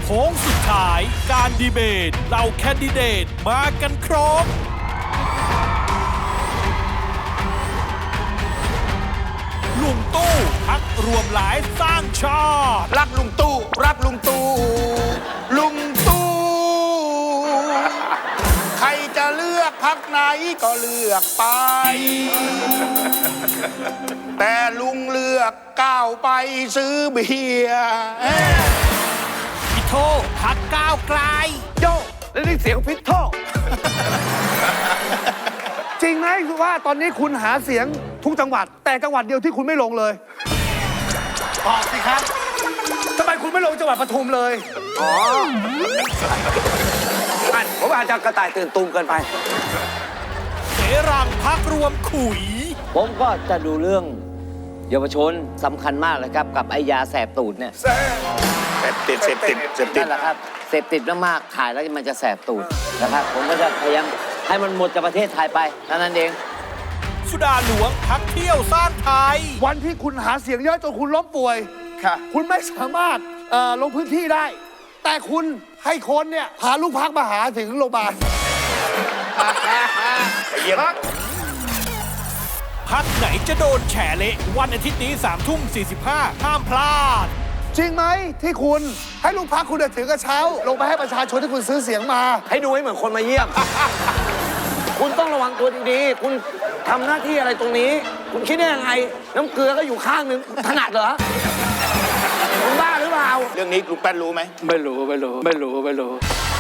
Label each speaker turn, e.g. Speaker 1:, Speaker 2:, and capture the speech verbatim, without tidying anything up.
Speaker 1: โค้งสุดท้ายการดีเบตเหล่าแคนดิเดตมากันครบลุงตู้พักรวมหลายสร้างชาติ
Speaker 2: รักลุงตู้รักลุงตู้ลุงตู้ใครจะเลือกพักไหนก็เลือกไป แต่ลุงเลือกก้าวไปซื้อเบียร์
Speaker 1: พิโทพักก้าวไกล
Speaker 3: โย่แล้วนี่เสียงพิษโทจริงไหมคือว่าตอนนี้คุณหาเสียงทุกจังหวัด แต่จังหวัดเดียวที่คุณไม่ลงเลย
Speaker 2: ตอบสิครับ
Speaker 3: ทำไมคุณไม่ลงจังหวัดปทุมเลย
Speaker 4: อ๋อผมอาจจะกระต่ายตื่นตูมเกินไป
Speaker 1: เสรังพักรวมขุย
Speaker 5: ผมก็จะดูเรื่องเยาวชนสำคัญมากเลยครับกับไอยาแสบตูดเนี่ย
Speaker 2: เสพติดเสพติดเสพติด
Speaker 5: นั่นแหละครับเสพติดมากๆถ่ายแล้วมันจะแสบตูดนะครับผมก็จะพยายามให้มันหมดจากประเทศไทยไปเท่านั้นเอง
Speaker 1: สุดาหลวงพักเที่ยวสร้างไทย
Speaker 3: วันที่คุณหาเสียงเยอะจนคุณล้มป่วย
Speaker 2: ค่ะ
Speaker 3: คุณไม่สามารถเอ่อลงพื้นที่ได้ แต่คุณให้คนเนี่ยพาลูกพักมาหาถึงโรงพยาบาล
Speaker 2: เยี่ยม
Speaker 1: พักไหนจะโดนแฉเละวันอาทิตย์นี้สามทุ่มสี่สิบห้าห้ามพลาด
Speaker 3: จริงไหมที่คุณให้ลูกพักคุณเดินถือกระเช้า ลงไปให้ประชาชนที่คุณซื้อเสียงมา
Speaker 4: ให้ดูให้เหมือนคนมาเยี่ยม คุณต้องระวังตัวดีๆ คุณทำหน้าที่อะไรตรงนี้ คุณคิดได้ยังไง น้ำเกลือก็อยู่ข้างหนึ่งถนัดเหรอ คุณบ้าหรือเปล่า
Speaker 2: เรื่องนี้ลุงแป้นรู้ไหม
Speaker 4: ไม่รู้ ไม่รู้ ไม่รู้ ไม่รู้
Speaker 2: เ